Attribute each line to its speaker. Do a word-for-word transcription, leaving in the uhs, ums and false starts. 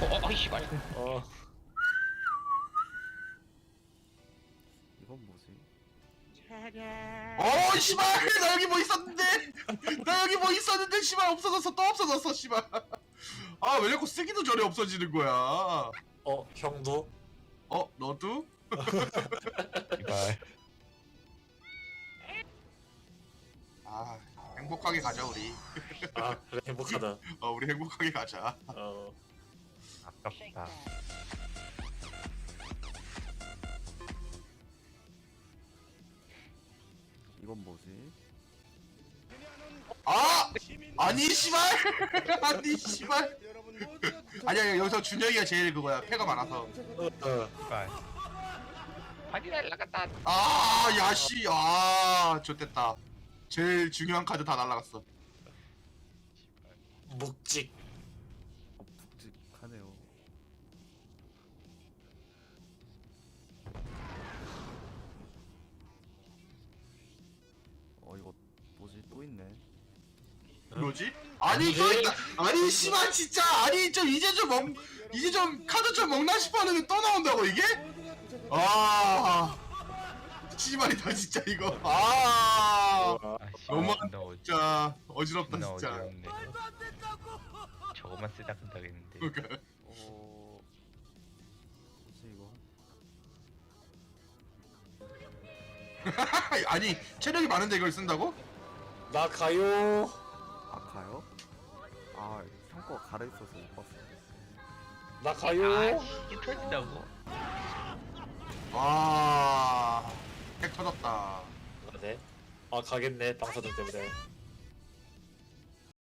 Speaker 1: 어, 어이 씨발.
Speaker 2: 어.
Speaker 3: 이건 뭐지?
Speaker 4: 어 씨발 나 여기 뭐 있었는데 나 여기 뭐 있었는데 씨발 없어졌어 또 없어졌어 씨발. 아 왜 자꾸 쓰기도 전에 없어지는 거야.
Speaker 2: 어, 형도?
Speaker 4: 어 너도?
Speaker 1: 씨발.
Speaker 4: 아 행복하게 가자 우리.
Speaker 2: 아, 그래, 행복하다.
Speaker 4: 어 우리 행복하게 가자.
Speaker 2: 어.
Speaker 1: 아깝다.
Speaker 3: 이건 뭐지?
Speaker 4: 아 아니 씨발 아니 씨발 아니야 여기서 준영이가 제일 그거야 패가 많아서.
Speaker 2: 어, 어.
Speaker 1: 씨발. 발이 날라갔다.
Speaker 4: 아 야씨 아 좋댔다. 제일 중요한 카드 다 날라갔어.
Speaker 2: 묵직.
Speaker 3: 어, 묵직하네요. 어, 이거 뭐지? 또 있네.
Speaker 4: 뭐지? 아니 또 있다. 아니 씨발 진짜 아니 좀 이제 좀 먹, 이제 좀 카드 좀 먹나 싶었는데 또 나온다고 이게? 아 씨발이다 진짜 이거. 아
Speaker 2: 와.
Speaker 1: 아 씨발.
Speaker 4: 너무
Speaker 1: 존나 어지.
Speaker 4: 진짜 어지럽다
Speaker 1: 존나
Speaker 4: 진짜.
Speaker 1: 어지럽네. 저거만 쓰다 끝나겠는데.
Speaker 4: 그러니까
Speaker 3: 어, 뭐지 이거?
Speaker 4: 아니 체력이 많은데 이걸 쓴다고?
Speaker 2: 나 가요.
Speaker 3: 아 가요? 아 상과가 가려 있어서 못 봤어.
Speaker 2: 나
Speaker 1: 아
Speaker 2: 가요.
Speaker 1: 이게 터진다고?
Speaker 4: 와 핵 터졌다.
Speaker 2: 네. 아, 가겠네. 방사능 때문에.